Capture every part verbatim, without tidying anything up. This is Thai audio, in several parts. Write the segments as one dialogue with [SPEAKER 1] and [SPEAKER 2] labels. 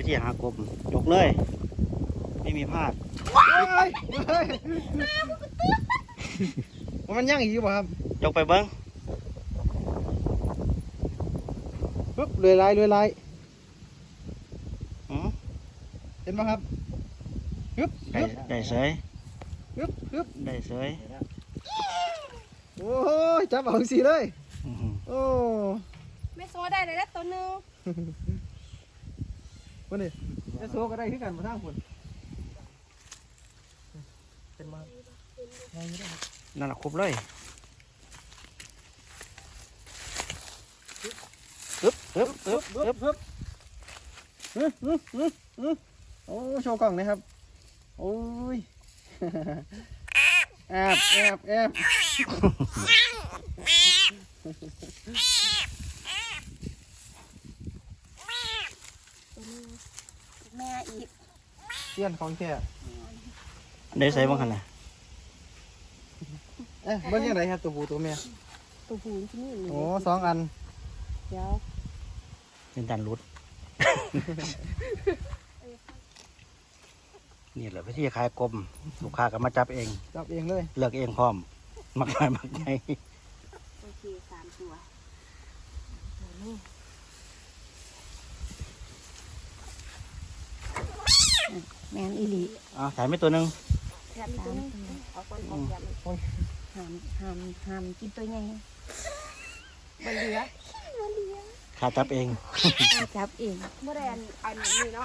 [SPEAKER 1] วิธีหากบยกเลย ไม่มีพลาด
[SPEAKER 2] มันย่างอีกป่ะครับ
[SPEAKER 1] ยกไปเบิ้ง
[SPEAKER 2] ปึ๊บเลื่อยลายเลื่อยลาย
[SPEAKER 1] อืม
[SPEAKER 2] เห็นป่ะครับปึ๊บ
[SPEAKER 1] ได้ได้เสย
[SPEAKER 2] ปึ๊บปึ๊บ
[SPEAKER 1] ได้เสย
[SPEAKER 2] โอ้ยจับเอาสีเลย
[SPEAKER 1] อื้อหือ
[SPEAKER 2] โอ้
[SPEAKER 3] ไม่โซได้เลยนะตัวหนึง
[SPEAKER 2] วันนี้จะโซก็ได้ขึ้นกันมาทางคนเป็นมาไงไม่ได้
[SPEAKER 1] นั่นแหละครบเลยปึ๊บปึ๊บปึ๊บปึ๊บ
[SPEAKER 2] ปึ๊บฮึฮึฮึฮึโอ้โชว์กล่องนะครับโอ้ยแอบแอบแอบ
[SPEAKER 3] ตัวหนึงแม่อีก
[SPEAKER 2] เตี้ยนของแท้
[SPEAKER 1] ได้เสยบ้างขนาด
[SPEAKER 2] เอ๊ะเบิ้งยังไงครับตัวผู้ตัวเมีย
[SPEAKER 3] ตัวหูที่นี่
[SPEAKER 2] โอ้สองอัน
[SPEAKER 3] เดี๋ยว
[SPEAKER 1] เป็นการรุด นี่แหละวิธีขายกบลูกค้าก็มาจับเอง
[SPEAKER 2] จับเองเลย
[SPEAKER 1] เลือกเองพร้อมมักน้อยมักใหญ่
[SPEAKER 3] โอเคสามตัวแมนอีหลี
[SPEAKER 1] อ่าถ่ายไม่ตัวหนึ่ง
[SPEAKER 3] สามตัวเอาคนออกแบบห้ามห้ามห้ามกินตัวใหญ่บนเหลือ
[SPEAKER 1] ข้าจับเอง
[SPEAKER 3] เอาจับเองโมเดลอันนี้เนาะ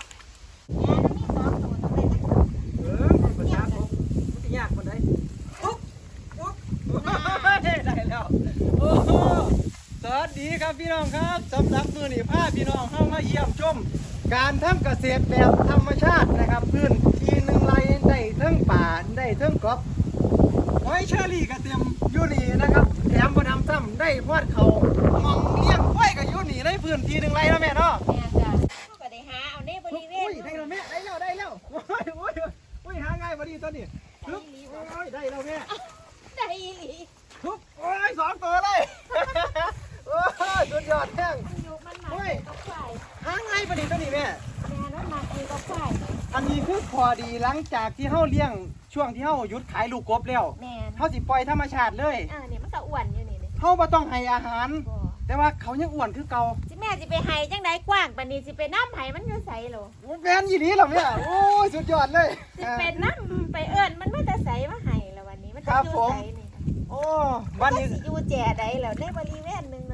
[SPEAKER 2] เออมันจับผมมันยากคนไหนปุ๊บปุ๊บได้แล้วโอ้โหสวัสดีครับพี่น้องครับสำหรับมือนี่พาพี่น้องเข้ามาเยี่ยมชม การทำเกษตรแบบธรรมชาตินะครับพื้นที่หนึ่งไร่ได้เทั้งป่าได้เทั้งกบหอยเชอรี่ก็เต็มอยู่นี่นะครับแถมบ่นำซ้ำได้พอดเขามองเลี้ยงไว้ก็อยู่นี่ในพื้นที่หนึ่งไร่แล้วแม่เนาะ
[SPEAKER 3] แม่จ้ะเขาก็ได้หาเอาในบริเวณ
[SPEAKER 2] โอ้ยได้แล้วแม่ได้แล้วได้แล้วโอ้ยโอ้ยโอ้ยหาง่ายพอดีตอนนี้ฮึบโอ้ยได้แล้วแม่
[SPEAKER 3] ได้อีหลี
[SPEAKER 2] ฮึบโอ้ยสองตัวเลยโอ้ยสุดยอดแห้ง
[SPEAKER 3] มันอยู่มันหนักกับไฟ
[SPEAKER 2] หาง่ายพอดีตอนนี้แม่
[SPEAKER 3] แม่นั้นหนักอยู่กับไฟ
[SPEAKER 2] อันนี้คือพอดีหลังจากที่เฮาเลี้ยงช่วงที่เฮาหยุดขายลูกกบแล้ว
[SPEAKER 3] แม่
[SPEAKER 2] เฮาสิปล่อยธรรมชาติเลย
[SPEAKER 3] อ่านี่มันก็อ้วนอยู่นี่นี่
[SPEAKER 2] เฮาบ่ต้องให้อาหาร
[SPEAKER 3] บ่
[SPEAKER 2] แต่ว่าเขายังอ้วนคือเก่า
[SPEAKER 3] สิแม่สิไปให้จังไดกว้างปานนี้สิไปน้ำไห้มันอยู่ไสโล
[SPEAKER 2] แม่นยี่นี้เหรอแม่โอ้ยสุดยอดเลย
[SPEAKER 3] สิเป็นน้ำไปเอิ้นมันมาแต่ไสมาให้แล้ววันนี้มันจะอยู่ไสนี่
[SPEAKER 2] โอ้วันนี้
[SPEAKER 3] สิอยู่แจ่ใดแล้วในบริเวณหนึง